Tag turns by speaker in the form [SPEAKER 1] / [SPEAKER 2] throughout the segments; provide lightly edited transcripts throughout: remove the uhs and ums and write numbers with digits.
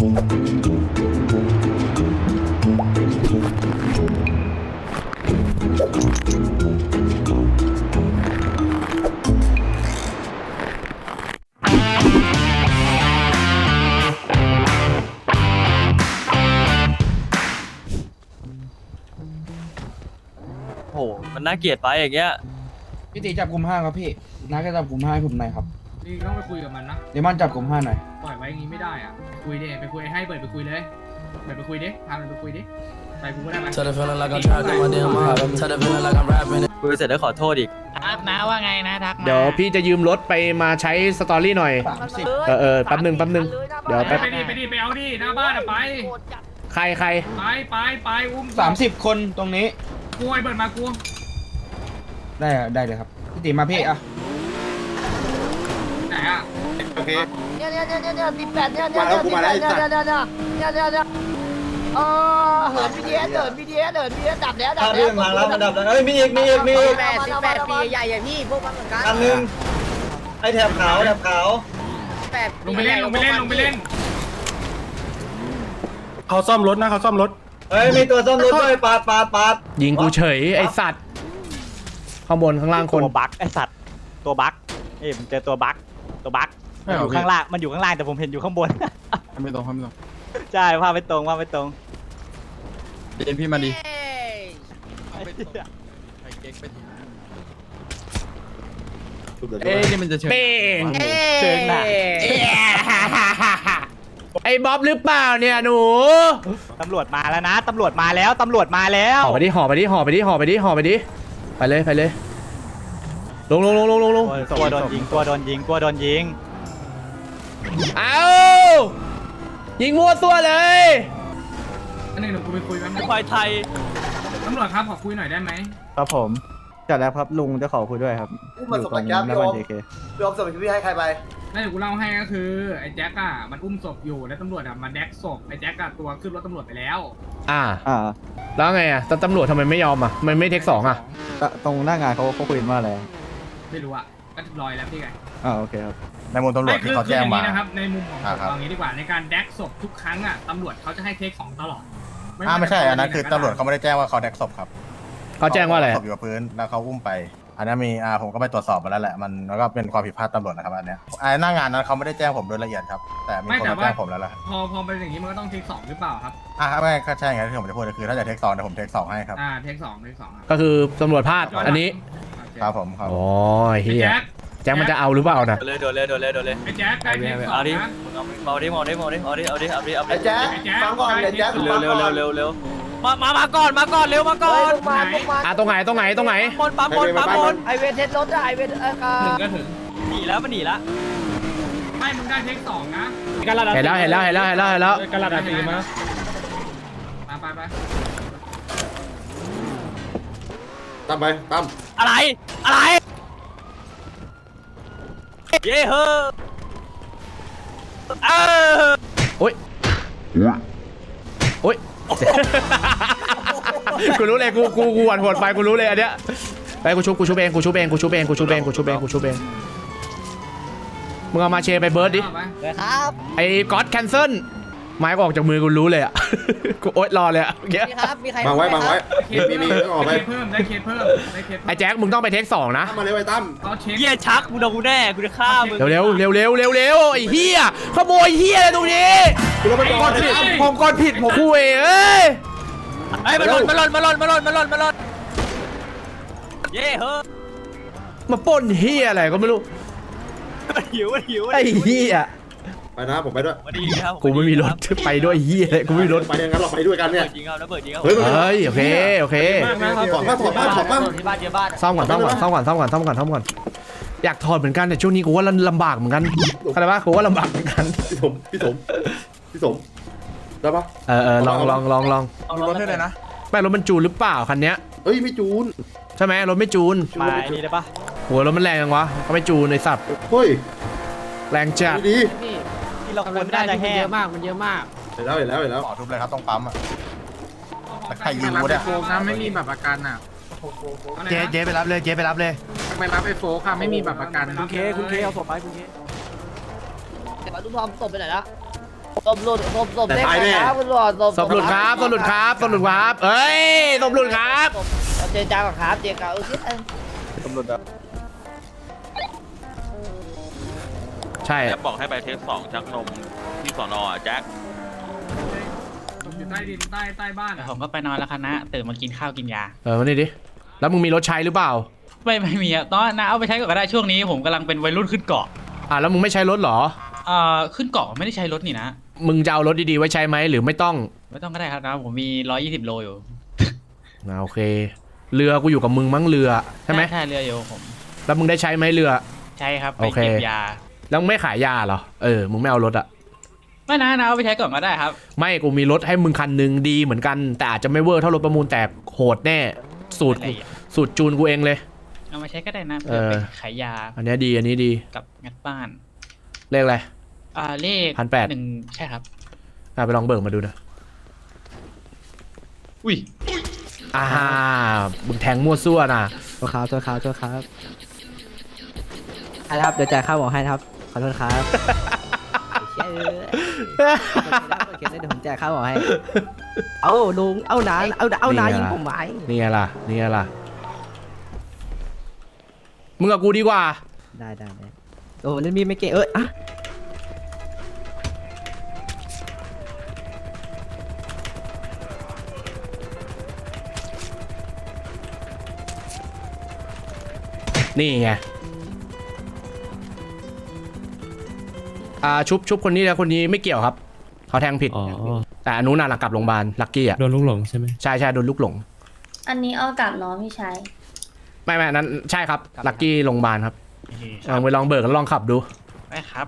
[SPEAKER 1] โหมันน่าเกลียดไปอย่างเงี้ย
[SPEAKER 2] พี่ตีจับกลุ่มห้าครับพี่น้าก็จับกลุ่มห้าให้ผมหน่อยครับ
[SPEAKER 3] นี่ต้องไปคุยกับมันนะ
[SPEAKER 2] เดมอนจับกลุ่มห้าหน่อย
[SPEAKER 3] ปล่อยไว้อย่างงี้ไม่ได้อ่ะไปคุยดิไปคุยให้เปิดไปคุยเลยเปิดไปคุยดิพามันไปคุยดิไปกูก็ได้ไหม
[SPEAKER 4] Tell the feeling like I'm trapped in my damn mind. Tell the feeling like I'm rapping it.
[SPEAKER 1] คุยเสร็จแล้วขอโทษอีก
[SPEAKER 5] ครับนะว่าไงนะทักมา
[SPEAKER 6] เดี๋ยวพี่จะยืมรถไปมาใช้สตอรี่หน่อย
[SPEAKER 2] 30
[SPEAKER 6] แป๊บหนึ่งเดี๋ยวแป๊บ
[SPEAKER 3] ไปดิไปเอาดิหน้าบ้านอะไป
[SPEAKER 6] ใคร
[SPEAKER 3] ไปอุ้ม
[SPEAKER 2] 30 คนตรงนี้
[SPEAKER 3] กูไอ้เปิดมากู
[SPEAKER 2] ได้เลยครับพี่ตีมาพี่อ่ะ
[SPEAKER 3] ไหนอ่ะ
[SPEAKER 7] โอเค
[SPEAKER 5] เนี่ย18เนี่ย
[SPEAKER 7] มาแล้วกูมาแล้วไอ้สัตว์
[SPEAKER 5] เนี่ยเหิน BTS ดับแล้ว
[SPEAKER 1] ถ้าเรื่องทางลับมันดับแล้วเอ้ยมีอีก
[SPEAKER 5] 18ปีใหญ่ๆพี่พวกมันเหมือนกัน
[SPEAKER 1] อันนึงไอ้แถบขาว
[SPEAKER 3] ลงไปเล่น
[SPEAKER 7] เขาซ่อมรถนะเขาซ่อมรถ
[SPEAKER 1] เฮ้ยมีตัวซ่อมรถด้วยปาด
[SPEAKER 6] ยิงกูเฉยไอสัตว์ข้างบนข้างล่างคน
[SPEAKER 8] ตัวบั๊กไอสัตว์ตัวบั๊กผมเจอตัวบั๊กมันอยู่ข้างล่างแต่ผมเห็นอยู่ข้างบน
[SPEAKER 7] ไม่ตรง
[SPEAKER 8] ใช่ภาพไม่ตรง
[SPEAKER 7] เดินพี่มาดิ เอ๊ะนี่มันจะเชิญ
[SPEAKER 6] เป้ง
[SPEAKER 8] เชิงหนัก
[SPEAKER 6] ไอ้บ๊อบหรือเปล่าเนี่ยหนู
[SPEAKER 8] ตำรวจมาแล้วนะตำรวจมาแล้ว
[SPEAKER 6] ห่อไปดิไปเลยลง
[SPEAKER 8] ตัวโดนยิง
[SPEAKER 6] เอายิงมั่วซั่วเลย
[SPEAKER 3] อันนึงเดี๋ยวกูไปคุยกัน
[SPEAKER 1] ควายไทย
[SPEAKER 3] ตำรวจครับขอคุยหน่อยได้ไหม
[SPEAKER 8] ครับผมจัดแล้วครับลุงจะขอคุยด้วยครับ
[SPEAKER 7] อุ้มมาสมัครแก๊ปพี่โอมพี่โอมสมัครพี่ให้ใครไป
[SPEAKER 3] แล้วเดี๋ยวกูเล่าให้ก็คือไอ้แจ็คอะมันอุ้มศพอยู่แล้วตำรวจอะมาแดกศพไอ้แจ็คอะตัวขึ้นรถตำรวจไปแล้ว
[SPEAKER 6] แล้วไงอ่ะตำรวจทำไมไม่ยอมอ่ะมันไม่เทคสองอ่ะ
[SPEAKER 8] ตรงหน้างานเขาคุยมาแล้ว
[SPEAKER 3] ไม่รู้อะก็ลอยแล้วพี่ไง
[SPEAKER 8] โอเคครับ
[SPEAKER 7] ในมุมตำรวจที่เขาแจ้งมา
[SPEAKER 3] นะครับในมุมของผมเอางี้ดีกว่าในการแดกศพทุกครั้งอะตำรวจเขาจะให้เทคสองตลอด
[SPEAKER 7] ไม่ใช่อันนั้นคือตำรวจเขาไม่ได้แจ้งว่าเขาแดกศพครับ
[SPEAKER 6] เขาแจ้งว่าอะไร
[SPEAKER 7] ศพอยู่กับพื้นแล้วเขาอุ้มไป อันนั้นมีผมก็ไปตรวจสอบมาแล้วแหละมันแล้วก็เป็นความผิดพลาดตำรวจนะครับอันเนี้ยหน้างานนั้นเขาไม่ได้แจ้งผมโดยละเอียดครับแต่มีคนมาแจ้งผมแล้วแหละ
[SPEAKER 3] พอเป็นอย่างนี้มันก็ต้องเทคสองหรือเปล่าครับ
[SPEAKER 7] ไม่ใช่ไงที่ผมจะพูดคือถ้าจะเทค2เดี๋ยวผมเทค2ให้ครับ
[SPEAKER 3] เทคสองครับ
[SPEAKER 6] ก็คือตำรวจพลาดอันนี้
[SPEAKER 7] ครับผมครับ
[SPEAKER 6] อ๋อเฮียแจ็คมันจะเอาหรือเปล่านะ
[SPEAKER 1] โดนเลย
[SPEAKER 3] ไอ้แจ็คใกล้เทคสอง
[SPEAKER 1] เอาดิ
[SPEAKER 3] นะ
[SPEAKER 1] เอาดิ
[SPEAKER 7] ไอ้แจ๊คฟังก่อนเดี๋ยวแจ๊ค
[SPEAKER 1] เร็วมาก่อนเร็วมาก่อน
[SPEAKER 6] ตรงไหน
[SPEAKER 1] ปั๊มบน
[SPEAKER 5] ไอเวทเทสรถไอเวท
[SPEAKER 3] ถึงก็ถึง
[SPEAKER 1] หนีแล้วมันหนีแล้ว
[SPEAKER 3] ไม่มึงได้เทคสองนะ
[SPEAKER 6] เห็นแล้ว
[SPEAKER 3] กระดาษตีมาไป
[SPEAKER 7] ตั้มไปตั้ม
[SPEAKER 1] อะไรเย้เฮ้อ
[SPEAKER 6] โอ๊ยกูรู้เลยกูหวั่นหัวไฟกูรู้เลยอันเนี้ยไปกูชุบเองมึงเอามาเชไปเบิร์ดดิ
[SPEAKER 5] ครับ
[SPEAKER 6] ไอ้ก๊อตแคนเซิลไม้ก็ออกจากมือกูรู้เลยอ่ะ กูโอ๊ยรอเลยอ่ะเงี้ย
[SPEAKER 5] มีครับมีใคร
[SPEAKER 7] บังไว้ มีออกไป
[SPEAKER 3] ได้เคสเพิ่ม
[SPEAKER 6] ไอ้แจ็คมึงต้องไปเทคสองนะ
[SPEAKER 7] มาเลยไอ้ตั้ม
[SPEAKER 3] เขาเช็ค
[SPEAKER 1] เหี้ยชักกูโดนกูแน่กูจะฆ่ามึง
[SPEAKER 6] เร็วไอ้เฮียขโมยเฮียอะไรตรงนี้
[SPEAKER 7] ผมกดผิดผม
[SPEAKER 6] คุยเอ้ย
[SPEAKER 1] ไอ้มาหล่นเย้เฮ้อ
[SPEAKER 6] มาปล้นเฮียอะไรก็ไม่รู้
[SPEAKER 1] หิว
[SPEAKER 6] ไอ้เฮีย
[SPEAKER 7] ไปนะผมไปด้วย
[SPEAKER 1] มาดีครับ
[SPEAKER 6] กูไม่มีรถไปด้วยเฮียเลยกูไม่มีรถ
[SPEAKER 7] ไปงั้นเราไปด้วยกันเนี่ย
[SPEAKER 1] จริงครับแล้วเปิดจริงครับ
[SPEAKER 6] เฮ้ยโอเค
[SPEAKER 7] ถอดบ้าง
[SPEAKER 5] ที่บ้านเยอะบ้าน
[SPEAKER 6] ซ่อมก่อนอยากถอดเหมือนกันแต่ช่วงนี้กูว่าลำบากเหมือนกันเข้าใจปะกูว่าลำบากเหมือนกัน
[SPEAKER 7] พี่สมได้ปะ
[SPEAKER 6] ลอง
[SPEAKER 1] เอารถให้เลยนะ
[SPEAKER 6] ไม่รถมันจูนหรือเปล่าคันเนี้ย
[SPEAKER 7] เฮ้ยไม่จูน
[SPEAKER 6] ใช่ไหมรถไม่จูน
[SPEAKER 8] มานี่ได้ปะ
[SPEAKER 6] หัวรถมันแรงจังวะก็ไม่จูนไอ้สัตว์
[SPEAKER 7] เฮ้ย
[SPEAKER 6] แรงจัด
[SPEAKER 7] ดี
[SPEAKER 8] ที่เราควรไม่ได้จะแห้ง
[SPEAKER 5] เยอะมาก
[SPEAKER 7] เห็นแล้วขอทุบเลยครับต้องปั๊มอ่ะใครยิงกูเนี่ย
[SPEAKER 3] โฟกนะไม่มีแบบประกันอ่ะ
[SPEAKER 6] เจ๊ไปรับเลย
[SPEAKER 3] ไปรับไอ้โฟกค่ะไม่มีแบบประกัน
[SPEAKER 8] คุณเคเอาศพไปคุณเค
[SPEAKER 5] แต่ว่าลูกทอมตบไปไหนละศพหลุดศพเด้งครับคุณตำรวจ
[SPEAKER 6] ศพหลุดครับศพหลุดครับศพหลุดครับเอ้ยศพหลุดครับ
[SPEAKER 5] เจรจากับครับเจรจา
[SPEAKER 1] ตำรวจแบบ
[SPEAKER 6] ใช่
[SPEAKER 9] แจ็คบอกให้ไปเทค2ชักนมที่สอนแจ็ค
[SPEAKER 3] ศพอยู่ใต้ดินใต้บ้านอะ
[SPEAKER 8] ผมก็ไปนอนแล้วคณะตื่นมากินข้าวกินยา
[SPEAKER 6] มานี่ดิแล้วมึงมีรถใช้หรือเปล่า
[SPEAKER 8] ไม่มีอ่ะตอนนะเอาไปใช้ก่อนก็ได้ช่วงนี้ผมกำลังเป็นวัยรุ่นขึ้นเกาะ
[SPEAKER 6] แล้วมึงไม่ใช้รถเหรอ
[SPEAKER 8] ขึ้นเกาะไม่ได้ใช้รถนี่นะ
[SPEAKER 6] มึงจะเอารถดีๆไว้ใช้ไหมหรือไม่ต้อง
[SPEAKER 8] ไม่ต้องก็ได้ครับนะผมมี120 โลอยู่
[SPEAKER 6] โอเค เรือกูอยู่กับมึงมั้งเรือใช่ไหม
[SPEAKER 8] ใช่เรืออยู่ผม
[SPEAKER 6] แล้วมึงได้ใช้ไหมเรือ
[SPEAKER 8] ใช่ครับไป
[SPEAKER 6] โอเค
[SPEAKER 8] เก็บยา
[SPEAKER 6] แล้วมึงไม่ขายยาเหรอมึงไม่เอารถอะ
[SPEAKER 8] ไม่นะเอาไปใช้ก่อนก็ได้ครับ
[SPEAKER 6] ไม่กูมีรถให้มึงคันหนึ่งดีเหมือนกันแต่อาจจะไม่เวอร์เท่ารถประมูลแต่โหดแน่สูตร
[SPEAKER 8] อะไรอ่ะ
[SPEAKER 6] สูตรจูนกูเองเลย
[SPEAKER 8] เอามาใช้ก็ได้นะเพื่อไปขายยา
[SPEAKER 6] อันนี้ดีอันนี้ดี
[SPEAKER 8] กับงัดบ้าน
[SPEAKER 6] เลขอะไร
[SPEAKER 8] เลข
[SPEAKER 6] 1,800
[SPEAKER 8] 1ใช่ครับ
[SPEAKER 6] ไปลองเบิกมาดูนะ
[SPEAKER 8] อุ้ย
[SPEAKER 6] มึงแทงมั่วซั่วนะ
[SPEAKER 5] ตัวครับครับเดี๋ยวจ่ายค่าหมอให้ครับขอโทษครับเชื่อเขียนได้เดี๋ยวผมจ่ายค่าหมอให้เอาลุงเอานายิงผมไหม
[SPEAKER 6] นี่ไงล่ะมึงกับกูดีกว่า
[SPEAKER 5] ได้โอ้เล่นมีดไม่เก่งอะ
[SPEAKER 6] นี่ไงชุบคนนี้แล้วคนนี้ไม่เกี่ยวครับเขาแทงผิดแต่อันนู้นน่ะหลังกลับโรงพยาบาลลักกี้อ่ะ
[SPEAKER 10] โดนลูกหลงใช่ไหม
[SPEAKER 6] ใช่โดนลูกหลง
[SPEAKER 11] อันนี้เอากลับเนาะพี่ชาย
[SPEAKER 6] ไม่นั้นใช่ครับลักกี้โรงพยาบาลครับลองเบิกแล้วลองขับดู
[SPEAKER 8] ได้ครับ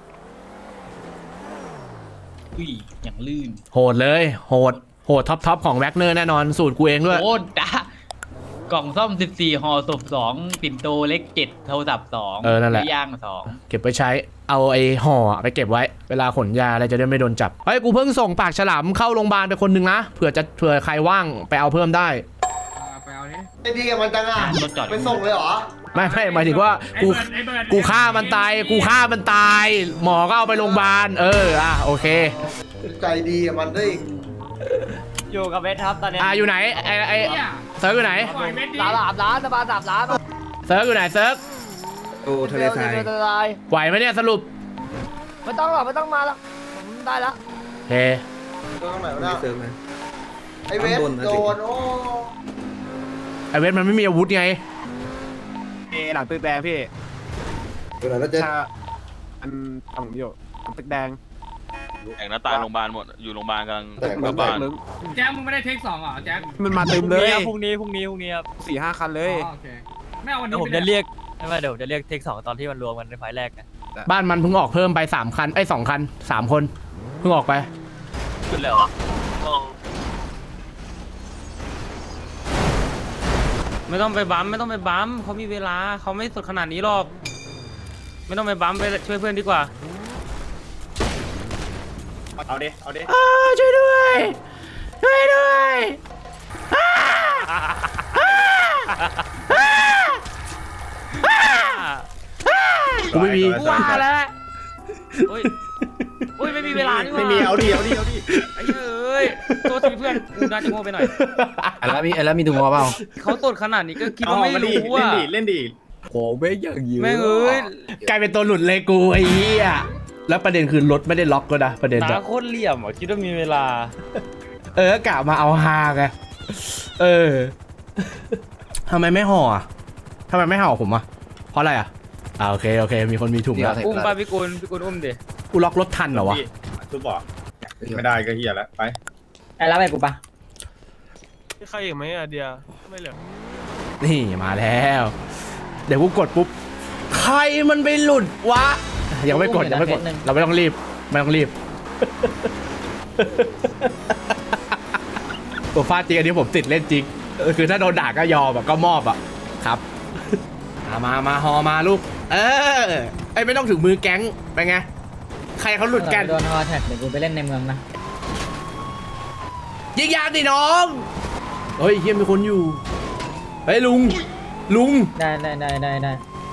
[SPEAKER 8] อุ้ยอย่างลื่น
[SPEAKER 6] โหดเลยโหดท็อปของแว็กเนอร์แน่นอนสูตรกูเองด้วย
[SPEAKER 8] โอ้ด่ากล่องซ่อม14ห่อศพ2ปิ่นโตเล็ก7โทรศัพท์2
[SPEAKER 6] นั่นแหละ
[SPEAKER 8] ย่าง
[SPEAKER 6] เก็บไปใช้เอาไอ้ห่อไปเก็บไว้เวลาขนยาอะไรจะได้ไม่โดนจับเฮ้ยกูเพิ่งส่งปากฉลามเข้าโรงพยาบาลไปคนหนึ่งนะเผื่อใครว่างไปเอาเพิ่มได้
[SPEAKER 3] ไปเอาดิ
[SPEAKER 5] ไอ้ดีกับมันจังอ่ะ
[SPEAKER 8] รถจอด
[SPEAKER 5] ไปส่งเลยเหรอ
[SPEAKER 6] ไม่หมายถึงว่ากูฆ่ามันตายหมอก็เอาไปโรงพยาบาลโอเค
[SPEAKER 5] ใจดีกับมันได้
[SPEAKER 1] อยู่กับเวทครับตอนนี้
[SPEAKER 6] อยู่ไหนไอ้เซิร์ฟอยู่ไหน
[SPEAKER 3] ปล่อยเม็ดดิ
[SPEAKER 5] ร้านสบาย3 ล้าน
[SPEAKER 6] เซิร์ฟอยู่ไหนเซิร์ฟ
[SPEAKER 2] โอ้ทะเลทราย
[SPEAKER 6] ไหวไหมเนี่ยสรุป
[SPEAKER 5] ไม่ต้องหรอกไม่ต้องมาแล้วผมได้แล้ว
[SPEAKER 6] โอเค
[SPEAKER 5] ตรงไหนวะ
[SPEAKER 2] ไม่เซิร์ฟนะ
[SPEAKER 5] ไอเวสโดนโอ้
[SPEAKER 6] ไอเวทมันไม่มีอาวุธไง
[SPEAKER 10] หลังตึกแดงพี่
[SPEAKER 2] เวลาแล้วจะ
[SPEAKER 10] อันฝั่งอยู่ตึกแดง
[SPEAKER 9] แองน้าตายโรงพยาบาลหมดอยู่โรงพยาบาลกำลังกลับบ้าน
[SPEAKER 3] แจ็คมึงไม่ได้เทค2เหรอแจ็ค
[SPEAKER 10] มันมาเต็มเลย
[SPEAKER 1] พรุ่งนี้ครับ
[SPEAKER 10] 4-5 คันเลย
[SPEAKER 3] โอเคไม่เอาวัน
[SPEAKER 1] แล้
[SPEAKER 3] นี้
[SPEAKER 1] วผมจะเรียกไม่เดี๋ยวจะเรียกเทค2ตอนที่มันรวมกันในไฟล์แรกนะ
[SPEAKER 6] บ้านมันเพิ่งออกเพิ่มไป3 คัน2 คัน 3 คนเพิ่งออกไป
[SPEAKER 1] ขึ้นแล้วเหรอไม่ต้องไปบัมเขามีเวลาเขาไม่สุดขนาดนี้หรอกไม่ต้องไปบัมไปช่วยเพื่อนดีกว่า
[SPEAKER 10] เอาดิ
[SPEAKER 6] ช่วยด้วย กูไม่มี
[SPEAKER 1] กูว่าแล้วโอ้ยไม่มีเวลานี่หว่า
[SPEAKER 10] ไม่มีเอาดิ
[SPEAKER 1] ไอ้เอ้ยตัวทีเพื่อนกูน่าจะโง่ไปหน่อย
[SPEAKER 2] แล้วมีถุงมือเปล่า
[SPEAKER 1] เขาตดขนาดนี้ก็คิดว่าไม่รู้อ่ะ
[SPEAKER 10] เล่นดิ
[SPEAKER 2] โอ้ไม่อย่างยื
[SPEAKER 1] แม่งเอ้ย
[SPEAKER 6] กลายเป็นตัวหลุดเลยกูไอ้เหี้ยแล้วประเด็นคือรถไม่ได้ล็อกก็นะประเด็น
[SPEAKER 1] ตาโคตรเหลี่ยมอ่ะคิดว่ามีเวลา
[SPEAKER 6] กะมาเอาฮาไงทำไมไม่ห่ออ่ะทำไมไม่ห่อผมอ่ะเพราะอะไรอ่ะโอเคมีคนมีถุงแล้ว
[SPEAKER 1] อุ้มป้าพี่กุลอุ้มดิ
[SPEAKER 6] กูล็อกรถทันเหรอวะ
[SPEAKER 10] ทุบบอกไม่ได้ก็เฮียแล้วไป
[SPEAKER 5] ไอ้รับไปกูปะ
[SPEAKER 1] ใครอีกไหมอ่ะเดียไม่เหลือ
[SPEAKER 6] นี่มาแล้ว เดี๋ยวกูกดปุ๊บใครมันไปหลุดวะยังไม่กดเราไม่ต้องรีบตัวฟาดจริงอันนี้ผมติดเล่นจริงคือถ้าโดนด่าก็ยอมแบบก็มอบอ่ะครับมาฮอมาลูกไม่ต้องถึงมือแก๊งไปไงใครเขาหลุดกัน
[SPEAKER 5] โดนฮอแท็กเดี๋ยวกูไปเล่นในเมืองนะ
[SPEAKER 6] ยิงยางดิน้องเฮ้ยเฮียมีคนอยู่เฮ้ยลุง
[SPEAKER 5] ได้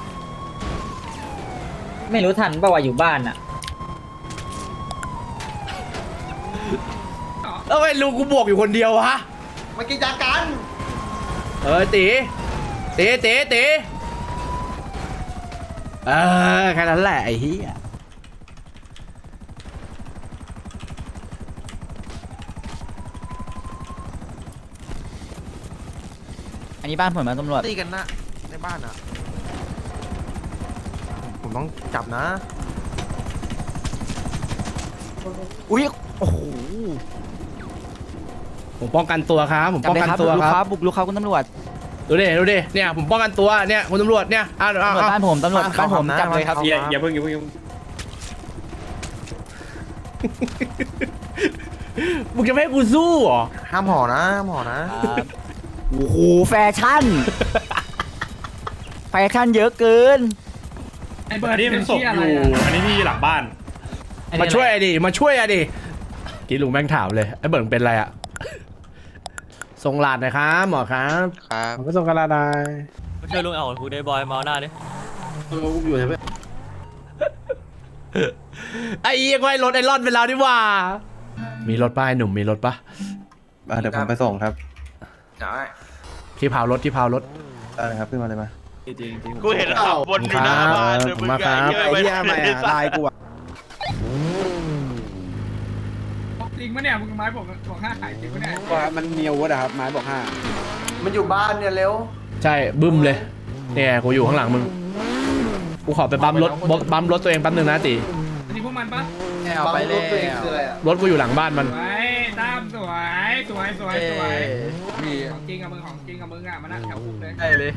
[SPEAKER 5] ไม่รู้ทันป่าวว่าอยู่บ้านอ่ะ
[SPEAKER 6] แล้วไอ้ลุงกูบวกอยู่คนเดียววะ
[SPEAKER 7] มากินยากัน
[SPEAKER 6] ตีแค่นั้นแหละไอ้เหี้ย
[SPEAKER 8] อันนี้บ้านผมนะตำรวจ
[SPEAKER 10] ตีกันนะในบ้านอ่ะ ผมต้องจับนะ
[SPEAKER 8] อุ้ยโอ้โห
[SPEAKER 6] ผมป้องกันตัวครับผมป้องกันตัวครับ
[SPEAKER 8] บุกลุกครับคุณตำรวจ
[SPEAKER 6] ดูดิเนี่ยผมป้องกันตัวเนี่ยคุณตำรวจเนี่ย
[SPEAKER 8] ตำรวจบ้านผมตำรวจบ้านผมจับเลยครับ
[SPEAKER 10] อย่าเพิ่ง
[SPEAKER 6] มึงจะไม่ให้กูสู้เหรอ
[SPEAKER 10] ห้ามห่อนะ
[SPEAKER 8] โอ้โหแฟชั่น แฟชั่นเยอะเกิน
[SPEAKER 3] ไอ้เบิร์ดนี่มันศพอยู่
[SPEAKER 10] อันนี้ที่หลังบ้าน
[SPEAKER 6] มาช่วยอะดิกินลุงแม่งถามเลยไอ้เบิร์นเป็นไรอะส่งหลาดหน่อยครับหมอครับ
[SPEAKER 10] ผมก็ส่งกระดาษได้
[SPEAKER 1] ช่วยลุงเอาหูได้บอยมาหน้าดิ
[SPEAKER 6] ไอ้เหี้ยก็ให้รถไอ้รอดไปแล้วดิว่ามีรถป่ะไอ้หนุ่มมีรถป่ะ
[SPEAKER 10] เดี๋ยวผมไปส่งครับ
[SPEAKER 6] ที่พาวรถ
[SPEAKER 10] ได้ครับขึ้นมาเลยมา
[SPEAKER 9] กูเห็นขับวนอยู่หน้าบ้าน
[SPEAKER 6] ผมมาครับ
[SPEAKER 10] ไอ้เหี้ยไม่ลายกูอ่ะ
[SPEAKER 3] จริงปะเนี่ยมึงไม้บอก5ขายจริงปะเนี่ย
[SPEAKER 10] ว่ามันเนียวอะครับไม้บอก5
[SPEAKER 7] มันอยู่บ้านเนี่ยเร็ว
[SPEAKER 6] ใช่บึ้มเลยเนี่ยกูอยู่ข้างหลังมึงกูขอไปบัมรถตัวเองแป๊บนึงนะตี
[SPEAKER 3] อันนี้พวกมันปะ
[SPEAKER 7] เอาไปเลยคืออะไรอ่ะ
[SPEAKER 6] รถกูอยู่หลังบ้านมัน
[SPEAKER 3] สวยตามสวยของจริงกับมึงอ่ะมานั่งแถวคุกเลย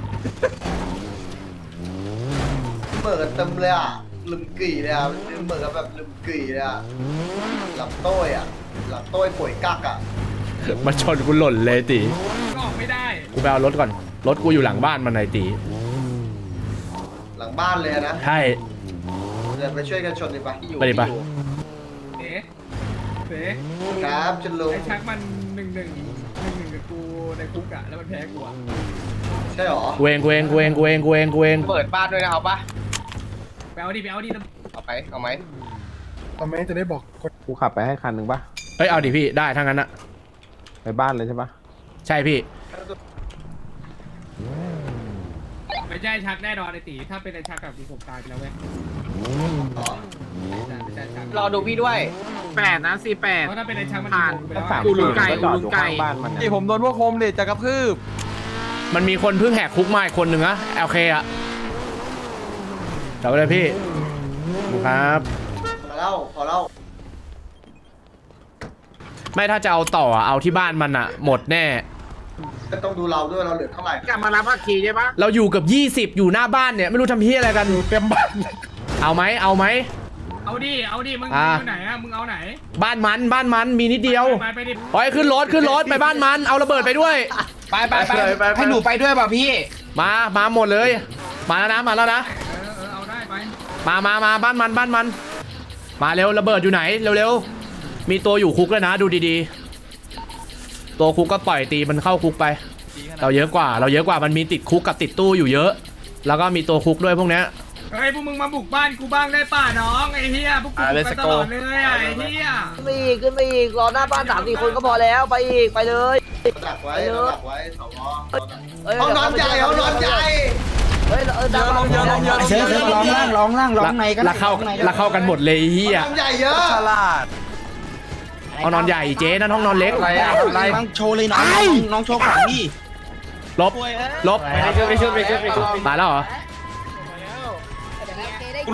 [SPEAKER 7] เบิกเต็มเลยอ่ะลืมกี่เลยอ่ะเบิกแบบลืมกี่เลยอ่ะหลับโต้ยอ่ะหลับโต้ยป่วยกักอ่ะ
[SPEAKER 6] มาชนกูหล่นเลยตี
[SPEAKER 3] ก็ออกไม่ได้
[SPEAKER 6] กูไปเอารถก่อนรถกูอยู่หลังบ้านมันไหนตี
[SPEAKER 7] หลังบ้านเลยนะ
[SPEAKER 6] ใช่
[SPEAKER 7] เดี๋ยวไปช่วยกันชนดิปะ
[SPEAKER 6] ไปดิปะ
[SPEAKER 3] เส
[SPEAKER 7] ครับชนลุง
[SPEAKER 3] ไอ้ชักมัน1-1กับกูในคุกอะแล้วมันแพ้กูอะ
[SPEAKER 7] ใช่หรอ
[SPEAKER 6] กูเอง
[SPEAKER 10] เปิดบ้านด้วยนะเอาปะ
[SPEAKER 3] ไปเอาดิ
[SPEAKER 10] เอาไหมเอาไหมจะได้บอกกูขับไปให้คันหนึ่งปะ
[SPEAKER 6] เอ้ยเอาดิพี่ได้ทั้งนั้นอะ
[SPEAKER 10] ไปบ้านเลยใช่ปะ
[SPEAKER 6] ใช่พี่
[SPEAKER 3] ไม่ใช่ชักแน่นอนไอ้ตีถ้าเป็นไอ้ชักกับกูผมตายไปแล้วเว้ยไม่ใช่ชัก
[SPEAKER 10] รอดูพี่ด้วย8นะ48
[SPEAKER 3] เพราะถ้าเป็นไอ้ชักมันผ่านไปแล้ว
[SPEAKER 10] กูลุงไก่บ้านมันนี่ผมโดนพวกโคมเด็ดจะกระพืบ
[SPEAKER 6] มันมีคนเพิ่งแหกคุกมาอีกคนหนึ่งนะโอเคอะจับไปเลยพี่ครับ
[SPEAKER 7] พอเล่า
[SPEAKER 6] ไม่ถ้าจะเอาต่ออะเอาที่บ้านมันอะหมดแน่
[SPEAKER 7] ก็ต้องดูเราด้วยเราเหลือเท่าไหร่
[SPEAKER 10] กลับมารับภาคีใช่ปะ
[SPEAKER 6] เราอยู่กับ20อยู่หน้าบ้านเนี่ยไม่รู้ทำเพี้ยอะไรกันเต็มบ้านเอาไหม
[SPEAKER 3] เอาดิมึงอยู่ไหนอะมึงเอาไหน
[SPEAKER 6] บ้านมันมีนิดเดียว
[SPEAKER 3] ไปดิ
[SPEAKER 6] ปล่อยขึ้นรถไปบ้านมันเอาระเบิดไปด้วย
[SPEAKER 2] ไปให้หนูไปด้วยป่ะพี่
[SPEAKER 6] มาหมดเลยมาแล้วนะ
[SPEAKER 3] เอาได้ไป
[SPEAKER 6] มาบ้านมันมาเร็วระเบิดอยู่ไหนเร็วๆมีตัวอยู่คุกแล้วนะดูดีๆตัวคุกก็ปล่อยตีมันเข้าคุกไปเราเยอะกว่ามันมีติดคุกกับติดตู้อยู่เยอะ แล้วก็มีตัวคุกด้วยพวกเนี้ย
[SPEAKER 3] เฮ้ยพวกมึงมาบุกบ้านกูบ้างได้ป่ะน้องไอ้เหี้ยพวกกูบุกไปตลอดเลยอะไอ้เหี้ย
[SPEAKER 5] ขึ้นไปอีกรอหน้าบ้าน3-4 คนก็พอแล้วไปอีกไปเลย
[SPEAKER 7] ดักไว้สว
[SPEAKER 5] เฮ้ย
[SPEAKER 7] ห้องนอนใหญ่
[SPEAKER 5] เฮ้ยดังลงเยอะ
[SPEAKER 2] เชิญร้องล่างในก็ได้
[SPEAKER 6] แล้วเข้ากันหมดเลยเฮีย
[SPEAKER 7] ห้องนอนใหญ่เยอะ
[SPEAKER 6] ห้องนอนใหญ่เจ๊นั่นห้องนอนเล็ก
[SPEAKER 2] อะไรบ้างโชว์เลยน้องโชว์ของพี่
[SPEAKER 6] ลบไปช่วยตายแล้วเหรอ
[SPEAKER 5] ไป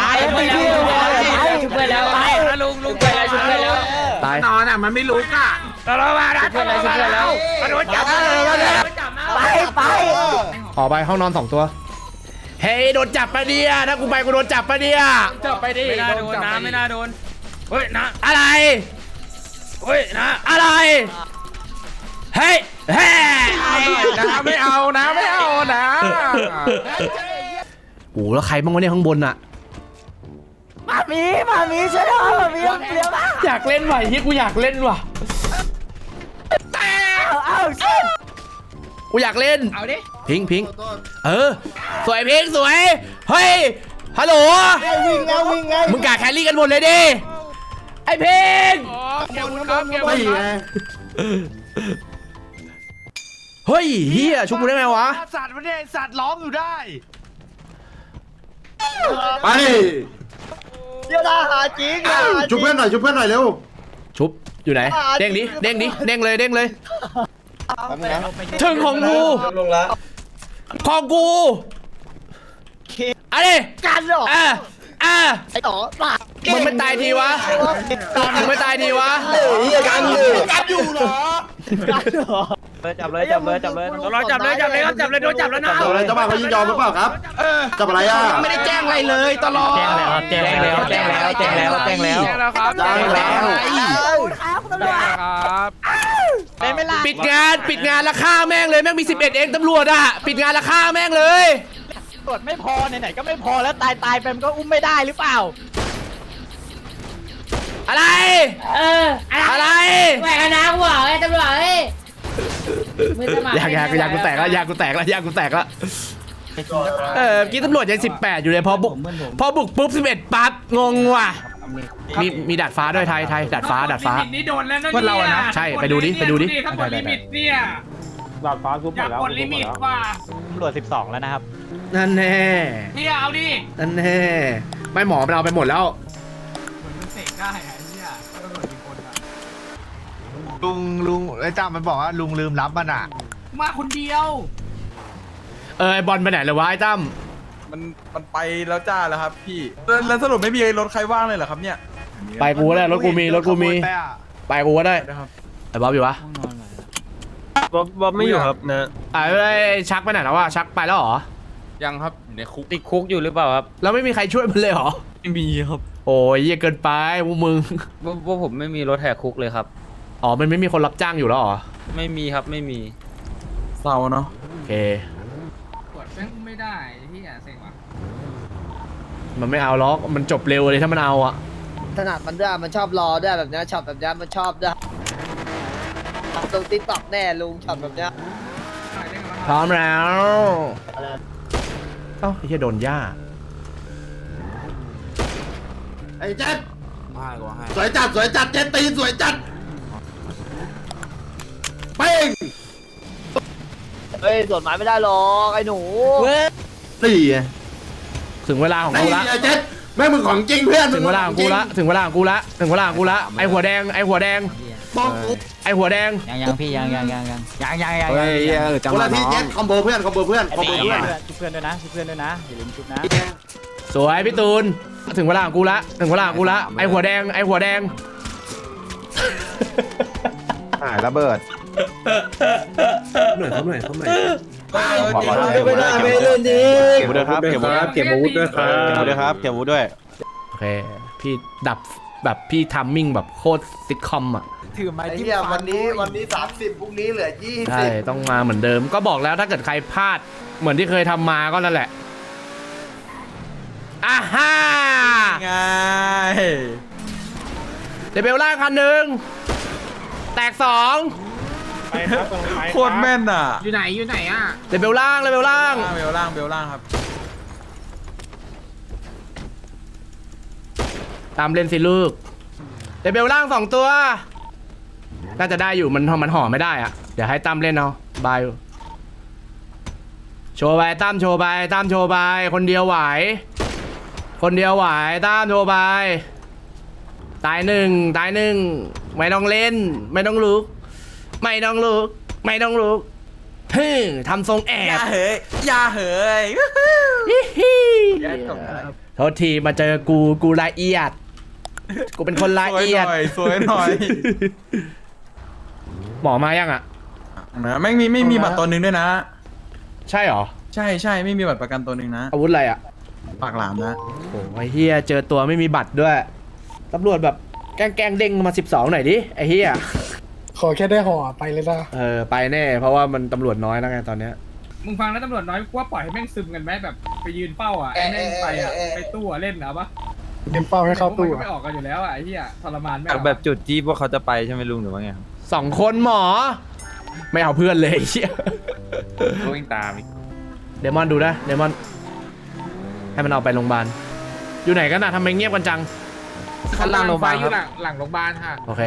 [SPEAKER 5] ช่วยแล้วไปลุงไปแล้วช่วยแล้ว
[SPEAKER 6] ตาย
[SPEAKER 10] นอนอ่ะมันไม่รู้ก่ะ
[SPEAKER 3] เรามาแล้วช่วยแล้วมาโดนจับ
[SPEAKER 5] ไป
[SPEAKER 6] ออกไปห้องนอน2ตัวเฮ้ยโดนจับปะเนี่ยถ้ากูไปกูโดนจับปะเนี่ย
[SPEAKER 10] จับไปดิ
[SPEAKER 1] ไม่น่าโดนนะไม่น่าโดนเฮ้ยนะ
[SPEAKER 6] อะไร
[SPEAKER 1] เฮ้ยนะ
[SPEAKER 6] อะไรเฮ้ย
[SPEAKER 10] นะไม่เอานะ
[SPEAKER 6] โอ้แล้วใครบ้างวะเนี่ยข้างบนอะ
[SPEAKER 5] มามีช่วยด้วยมามีเร็วมาก
[SPEAKER 6] อยากเล่นว่ะเฮียกูอยากเล่นว่ะ
[SPEAKER 5] เอาชิบ
[SPEAKER 6] กูอยากเล่น
[SPEAKER 3] เอาดิ
[SPEAKER 6] พิงสวยพิงสวยเฮ้ยฮัลโหล
[SPEAKER 7] วิ่งไง
[SPEAKER 6] มึงกะแครี่กันหมดเลยดิไอ้พิง
[SPEAKER 10] ไม่ไง
[SPEAKER 6] เฮ้ยเฮียชุบกูได้ไงวะ
[SPEAKER 10] สัตว์มันเนี่ยสัตว์ร้องอยู่ได้ไปชุบเพื่อนหน่อยชุบเพื่อนหน่อยเร็ว
[SPEAKER 6] ชุบอยู่ไหนเด้งดิเด้งดิเด้งเลยเด้งเลยถึงของกูของกูอะไรกันหรอไอ้ต่อมึงไม่ตายทีวะมึงไม่ตายทีวะกันอยู่เหรอ
[SPEAKER 8] จับเลยจับเลยจับเลย
[SPEAKER 1] เราจับเลยครับจับเลยโดนจับแล้วนะ
[SPEAKER 10] อะไรเจ้าบ้านเขายินยอมหรือเปล่าครับจับอะไรอ่ะ
[SPEAKER 2] ไม่ได้แจ้งอะไรเลยตลอด
[SPEAKER 8] แจ้งแล้วครับแจ้งแล้วแจ้งแล้วแจ้งแล้วแจ้งแล้ว
[SPEAKER 1] ครับ
[SPEAKER 10] แจ้งแล้ว
[SPEAKER 1] ครับ
[SPEAKER 8] เป็นไม่ล่ะ
[SPEAKER 6] ปิดงานแล้วฆ่าแม่งเลยแม่งมี11เองตำรวจอะปิดงานแล้วฆ่าแม่งเลย
[SPEAKER 8] ตรวจไม่พอไหนๆก็ไม่พอแล้วตายไปมันก็อุ้มไม่ได้หรือเปล่า
[SPEAKER 6] อะไรอะไร
[SPEAKER 11] แหวกน้ำหัวไอ้ตำรวจเอ้ยมือสมัคร
[SPEAKER 6] ยางกูแตกแล้วยางกูแตกแล้วกี้ตำรวจยัง18อยู่เลยพอบุกปุ๊บ11ปั๊บงงว่ะมีดาดฟ้าด้วยไทยดาดฟ้า
[SPEAKER 3] ลิมิตนี่โดนแล้วนะ
[SPEAKER 2] พวกเราอะนะ
[SPEAKER 6] ใช่ไปดูดิ
[SPEAKER 3] ถ้ากดลิมิตเนี่ย
[SPEAKER 10] ดาดฟ้าทุบห
[SPEAKER 3] อ
[SPEAKER 10] ม
[SPEAKER 3] ยา
[SPEAKER 10] ด
[SPEAKER 3] ก
[SPEAKER 10] แล้ว
[SPEAKER 3] กดลิมิตว่ะ
[SPEAKER 8] ตำรวจ12แล้วนะครับ
[SPEAKER 6] นั่นแน่
[SPEAKER 3] พี่เอาดิ
[SPEAKER 6] นั่นแน่ไม่หมอมันเอาไปหมดแล้ว
[SPEAKER 3] เหมือนมันเสกได้ไอ้เนี่ยตำรวจกี่คนอะ
[SPEAKER 10] ลุงไอ้จ้ามันบอกว่าลุงลืมรับมันอ่ะ
[SPEAKER 3] มาคนเดียว
[SPEAKER 6] ไอบอลไปไหนเลยวะไอ้ตั้ม
[SPEAKER 2] มันไปแล้วจ้าแล้วครับพี่แล้วสรุปไม่มีรถใครว่างเลยเหรอครับเนี่ย
[SPEAKER 6] ไปกูก็ได้รถกูมีไปกูก็ได้ไอ้บ๊อบอยู่วะ
[SPEAKER 1] บ๊อบไม่อยู่ครับนะ
[SPEAKER 6] ไอ้ชักไปไหนแล้ววะชักไปแล้วเหรอ
[SPEAKER 2] ยังครับอยู่ในคุก
[SPEAKER 1] ติดคุกอยู่หรือเปล่าครับ
[SPEAKER 6] แล้วไม่มีใครช่วยมันเลยเหรอ
[SPEAKER 1] ไม่มีครับ
[SPEAKER 6] โอ้ยเหี้ยเกินไปพวกมึง
[SPEAKER 1] ว่าผมไม่มีรถแหกคุกเลยครับ
[SPEAKER 6] อ๋อมันไม่มีคนรับจ้างอยู่แล้วเหรอ
[SPEAKER 1] ไม่มีครับไม่มี
[SPEAKER 2] เศร้าเนาะ
[SPEAKER 6] โอเค
[SPEAKER 3] กดแม่งไม่ได้ที่อ่ะเซ็งว่ะ
[SPEAKER 6] มันไม่เอาล็อกมันจบเร็วเลยถ้ามันเอาอะ
[SPEAKER 5] ถนัดมันด้วยมันชอบรอด้วยแบบนี้ช็อตแบบนี้มันชอบด้วยลงติ๊กต็อกแน่ลุงช็อตแบบนี้
[SPEAKER 6] พร้อมแล้วเอ้าไอ้เหี้ยโดนย่า
[SPEAKER 10] ไอ้เจ็ดสวยจัดเจ็ดตีสวยจัดเป้ง
[SPEAKER 5] เฮ้ยส่วนหมายไม่ได้หรอกไอ้หนู
[SPEAKER 10] สี่
[SPEAKER 6] ถึงเวลาของ
[SPEAKER 10] ไอ้
[SPEAKER 6] กูละ
[SPEAKER 10] เจ็ดแม่งมึงของจริงเพื่อน
[SPEAKER 6] ถึงเวลาของกูละถึงเวลาของกูละไอ้หัวแดง
[SPEAKER 10] บอกกู
[SPEAKER 6] ไอ้หัวแดง
[SPEAKER 8] ยังพี่ยัง
[SPEAKER 10] คนละที่เจ็ดคอมโบเพื่อน
[SPEAKER 8] ชุบเพื่อนด้วยนะชุบเพื่อนด้วยนะอย่าลืมชุบนะ
[SPEAKER 6] สวยพี่ตูนถึงเวลาของกูละไอ้หัวแดง
[SPEAKER 10] ระเบิด
[SPEAKER 2] ไม่ได้ไม่เล่นดิ
[SPEAKER 10] เก็บด้วยครับเก็บอาวุธด้วย
[SPEAKER 6] โอเคพี่ดับแบบพี่ทัมมิ่งแบบโคตรซิทคอมอ่ะ
[SPEAKER 8] ถือไม้
[SPEAKER 10] ไอ้
[SPEAKER 8] จิ้ม
[SPEAKER 10] เหี้ย
[SPEAKER 8] ฟั
[SPEAKER 10] วันนี้30พรุ่งนี้เหลือ20
[SPEAKER 6] ใช่ต้องมาเหมือนเดิมก็บอกแล้วถ้าเกิดใครพลาดเหมือนที่เคยทำมาก็นั่นแหละอ่าฮ่า
[SPEAKER 2] ไง
[SPEAKER 6] เดเบลล่างคันหนึ่งแตก2
[SPEAKER 2] โคตรแม่นอ่ะ
[SPEAKER 3] อยู่ไหนอ่ะ
[SPEAKER 6] เดเบลล่าง
[SPEAKER 2] เบลล่างครับ
[SPEAKER 6] ตามเล่นสิลูกเดเบลล่าง2 ตัวน่าจะได้อยู่มันห่อไม่ได้อะเดี๋ยวให้ตั้มเล่นเอาบายโชว์ไปตั้มโชว์ไปคนเดียวไหวตั้มโชว์ไปตายหนึ่งไม่ต้องเล่นไม่ต้องลุกฮึทำทรงแอบ
[SPEAKER 2] อย่าเฮ้ย
[SPEAKER 6] โทษทีมาเจอกูละเอียดกูเป็นคนละเอียด
[SPEAKER 2] สวยหน่อย
[SPEAKER 6] หมอมายังอ่ะ
[SPEAKER 2] นะไม่มีบัตรตัวหนึ่งด้วยนะ
[SPEAKER 6] ใช่หรอ
[SPEAKER 2] ใช่ไม่มีบัตรประกันตัวหนึ่งนะ
[SPEAKER 6] อาวุธอะไรอ่ะ
[SPEAKER 2] ปากหลามนะ
[SPEAKER 6] โอ้ยเฮียเจอตัวไม่มีบัตรด้วยตำรวจแบบแกล้งเด้งมา12หน่อยดิไอ้เฮีย
[SPEAKER 10] ขอแค่ได้ห่อไปเลยนะ
[SPEAKER 6] ไปแน่เพราะว่ามันตำรวจน้อยแล้วไงตอนเนี้ย
[SPEAKER 3] มึงฟังแล้วตำรวจน้อยกูว่าปล่อยให้แม่งซึมกันไหมแบบไปยืนเป้าอ่ะไอ้แม่งไปอ่ะไปตู้อ่ะเล่นนะปะ
[SPEAKER 10] เตรียมเป้าให้เข้าตู้
[SPEAKER 3] มันก็ไม่ออกกันอยู่แล้วอ่ะไอ้เหี้ยทรมานแม่ง
[SPEAKER 1] แบบจุดจี้พวกเขาจะไปใช่ไหมลุงหรือว่าไง
[SPEAKER 6] 2 คนหมอ ไม่เอาเพื่อนเลยไอ้เชี่ย
[SPEAKER 1] วิ่งตาม
[SPEAKER 6] เดมอนดูนะเดมอนให้มันเอาไปโรงพยาบาลอยู่ไหนกันนะทำไมเงียบกันจัง
[SPEAKER 3] ข้างล่างโรงพยาบาลอยู่หลังโรงพยาบาลค่ะ
[SPEAKER 6] โอเค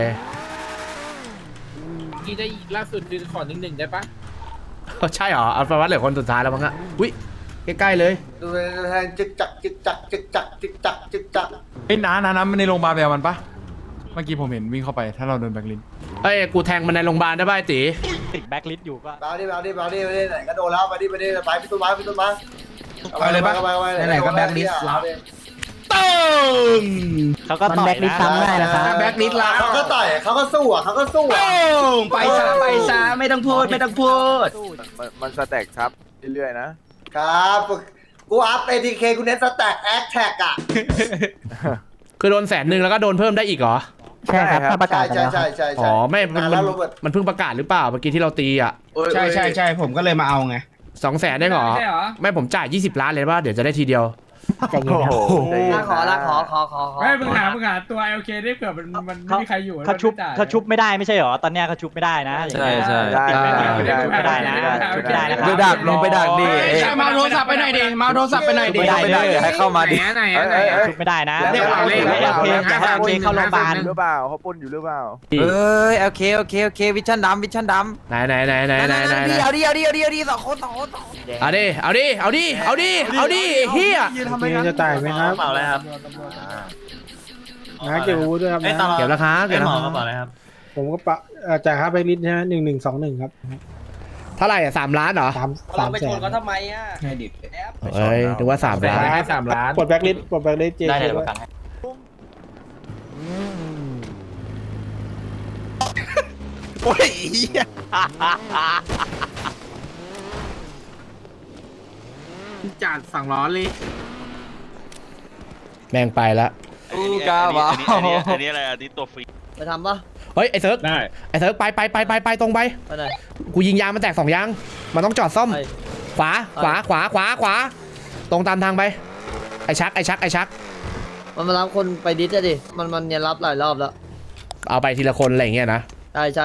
[SPEAKER 3] ที่ได้ล่าสุดคือขอ1-1ได้ปะ
[SPEAKER 6] ใช่เหรอเอาประวัติเหลือคนสุดท้ายแล้วมั้งอะอุ้ยใกล้ๆเลย
[SPEAKER 7] ดูแทงจึกจักจึกจักจึกจักจึกจักจึกจัก
[SPEAKER 2] เฮ้ยน้ามันในโรงพยาบาลไปเอามันปะเมื่อกี้ผมเห็นวิ่งเข้าไปถ้าเราเดินแบกลิน
[SPEAKER 6] เอ้ยกูแทงมันในโรงพยาบาลได้ป่ะไอ้ตี
[SPEAKER 8] ติดแบ็คลิสต์อยู่ก็
[SPEAKER 7] มาดิไหนก็โดนแล้วมาดิไปพี่ต้นไม้
[SPEAKER 2] ไปเลยปะ
[SPEAKER 7] ไหนก็แบ็คลิสต์
[SPEAKER 6] ตึ้ง
[SPEAKER 8] เขาก็ต่อยนะ
[SPEAKER 5] แบ็คลิสต์ละ
[SPEAKER 7] เขาก็ต่อยเขาก็สู้อ่ะ
[SPEAKER 5] ไปซะไม่ต้องพูด
[SPEAKER 10] มันสแต็กครับเรื่อยๆนะ
[SPEAKER 7] ครับกูอัพ ATK กูเน้นสแต็กแอคแท็กอ่ะ
[SPEAKER 6] คือโดน100,000แล้วก็โดนเพิ่มได้อีกเหรอ
[SPEAKER 5] ใช่ครับถ้าประกาศไปแล้วครับ
[SPEAKER 7] ใช่
[SPEAKER 6] อ๋อไม่มัน
[SPEAKER 7] แล้วโรเบิร์ต
[SPEAKER 6] มันเพิ่งประกาศหรือเปล่าเมื่อกี้ที่เราตีอ่ะ
[SPEAKER 10] ใช่ผมก็เลยมาเอาไง
[SPEAKER 6] 200,000ได้เหรอ
[SPEAKER 3] ใช่เหรอ
[SPEAKER 6] ไม่ผมจ่าย20 ล้านเลยป่ะเดี๋ยวจะได้ทีเดียว
[SPEAKER 5] ใจเย็นครับ
[SPEAKER 7] ขอ
[SPEAKER 3] ไม่มึงหาตัว LK ได้เผื่อมันไม่มีใครอยู่
[SPEAKER 8] เขาชุบไม่ได้ไม่ใช่เหรอตอนเนี้ยเขาชุบไม่ได้นะ
[SPEAKER 1] ใช่
[SPEAKER 8] ไม่ได้นะชุบไม่ได้นะ
[SPEAKER 10] ไปดักลงไปดักดิ
[SPEAKER 3] มาโทรศัพท์ไปไหนดิมาโทรศัพท์ไปไหนดิ
[SPEAKER 10] ไม่ได้ให้เข้ามาดิ
[SPEAKER 3] ไหน
[SPEAKER 8] ชุบไม่ได้นะ
[SPEAKER 3] เรียกเอาเลข
[SPEAKER 8] LK อย่าให้ LK เข้าโรงพยาบาล
[SPEAKER 10] หรือเปล่าเขาปนอยู่หรือเปล่า
[SPEAKER 1] โอเควิชั่นดำ
[SPEAKER 6] ไหนเอาดิเฮีย
[SPEAKER 10] จะจ่ายไหมครับเปล่าเลยครับนะเก็บอาวุธด้วยครับนะ
[SPEAKER 6] เก็บราคา
[SPEAKER 10] ผมก็ปะจ่ายค่าไปลิสต์ใช่ไหม1121ครับ
[SPEAKER 6] เท่าไหร่อ่ะ3 ล้านเหรอ
[SPEAKER 10] 3แสน
[SPEAKER 6] เอ้ยนึกว่า3 ล้าน
[SPEAKER 3] ให้3 ล้าน
[SPEAKER 10] ปลดแบ็คลิสต์เจได้เลยประกัน
[SPEAKER 7] โอ้ย
[SPEAKER 3] จัดสั่งล้อเลย
[SPEAKER 6] แม่งไปละ
[SPEAKER 9] อันนี้อะไรอันนี้ตัวฟรี
[SPEAKER 5] ไปทำปะ
[SPEAKER 6] เฮ้ยไอ้เซิร์ก
[SPEAKER 3] ได้
[SPEAKER 6] ไอ้เซิร์กไปตรงไป
[SPEAKER 5] ไปไหน
[SPEAKER 6] กูยิงยางมันแตก2 ยางมันต้องจอดซ่อม
[SPEAKER 5] ไป
[SPEAKER 6] ขวาตรงตามทางไปไอ้ชัก
[SPEAKER 5] มันมารับคนไปดิสอะดิมันเนี่ยรับหลายรอบแล้ว
[SPEAKER 6] เอาไปทีละคนอะไรอย่างเงี้ยนะ
[SPEAKER 5] ใช่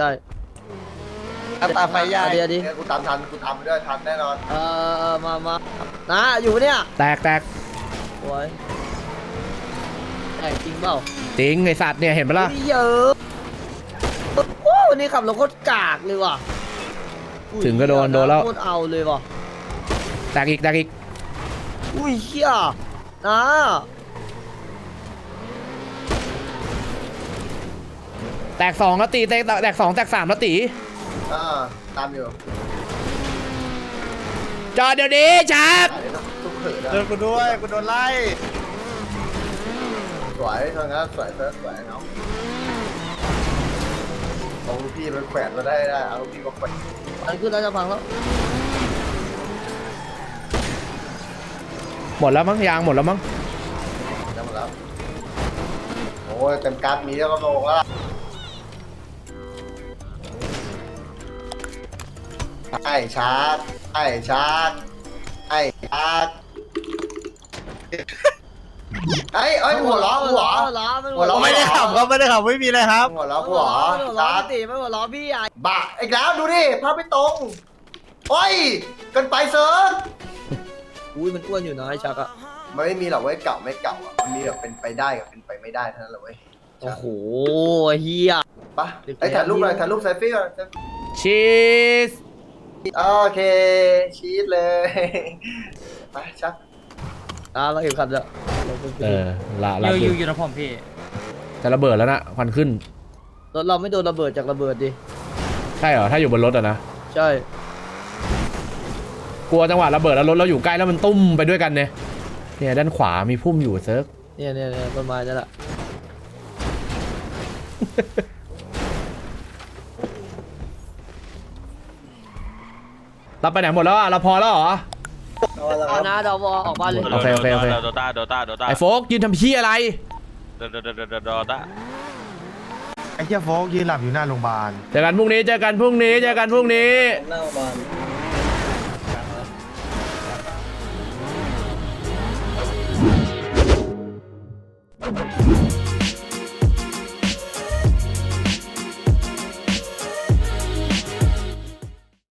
[SPEAKER 7] ตาไฟใหญ่
[SPEAKER 5] เดี๋ยวดิ
[SPEAKER 7] กูตามทันกูทำด้วยทันแน่นอน
[SPEAKER 5] มานะอยู่เนี่ย
[SPEAKER 6] แตก
[SPEAKER 5] โอ้ยจริงเปล่า
[SPEAKER 6] จริงไอ้สัตว์เนี่ยเห็นปะล่ะ
[SPEAKER 5] เยอะโอ้วันนี้ขับรถโคตรกากเลยว่ะ
[SPEAKER 6] ถึงก็โดนแล้ว
[SPEAKER 5] โคตรเอาเลยว่ะ
[SPEAKER 6] แตกอีก
[SPEAKER 5] อุ้ยเฮียนะ
[SPEAKER 6] แตก2แล้วตีแตก2แตก3แล้วตี
[SPEAKER 7] ตามอยู่
[SPEAKER 6] จอดเดี๋ยวนี้ชัก
[SPEAKER 7] ทุกเขิน
[SPEAKER 10] เจอกูด้วยกูโดนไล่
[SPEAKER 7] สวยเท่านั้นสวยเนาะเอาลูกพี่มันแขวนมาได้เอาลูกพี่มาแขวน
[SPEAKER 5] อันขึ้นแล้วจะพังแล้ว
[SPEAKER 6] หมดแล้วมั้งยางหมดแล้วมั้ง
[SPEAKER 7] จะหมดแล้วโอ้ยเต็มการ์ดมีแล้วก็ลงแล้วไอ้ชาร์จไอ้หัวล้อไม่ได้ขับครับไม่มีอะไรครับหัวล้อหัวชาร์จ
[SPEAKER 5] ตีไม่หัวล้อพี่ใหญ่
[SPEAKER 7] บ้าอีกแล้วดูดิภาพไม่ตรงโอ้ยกันไปเซิร์ฟ
[SPEAKER 5] อุ้ยมันอ้วนอยู่นะไอ้ชักอะ
[SPEAKER 7] มันไม่มีหรอกเว้ยเก่าไม่เก่าอ่ะมันมีแบบเป็นไปได้กับเป็นไปไม่ได้เท่านั้นแหละเว้ย
[SPEAKER 5] โอ้โหเฮีย
[SPEAKER 7] ปะไอ้ถ่ายรูปเลยถ่ายรูปเซลฟี่ก่อน
[SPEAKER 6] ชีส
[SPEAKER 7] โอเคชีสเลยไปชัก
[SPEAKER 5] เราเก็บขับแล้ว
[SPEAKER 6] ละ
[SPEAKER 1] อยู่นะผมพี่
[SPEAKER 6] จะระเบิดแล้วนะควันขึ้น
[SPEAKER 5] รถเราไม่โดนระเบิดจากระเบิดดิ
[SPEAKER 6] ใช่เหรอถ้าอยู่บนรถอะนะ
[SPEAKER 5] ใช่
[SPEAKER 6] กลัวจังหวะระเบิดแล้วรถเราอยู่ใกล้แล้วมันตุ้มไปด้วยกันเนี่ยด้านขวามีพุ่มอยู่เซิร์ฟ
[SPEAKER 5] เนี่ยต้นไม้นั่นแหละ
[SPEAKER 6] เราไปไหนหมดแล้วอะเราพอแล้วเหรอ
[SPEAKER 5] เอานะดาวออกบ้านเลย
[SPEAKER 6] โอเค
[SPEAKER 9] โดต้า
[SPEAKER 6] ไอ้โฟกยืนทำเพี้ยอะไร
[SPEAKER 9] โดต้า
[SPEAKER 10] ไอ้เจ้าโฟกยืนหลับอยู่หน้าโรงพยาบาล
[SPEAKER 6] เจอกันพรุ่งนี้
[SPEAKER 5] หน้าบ้าน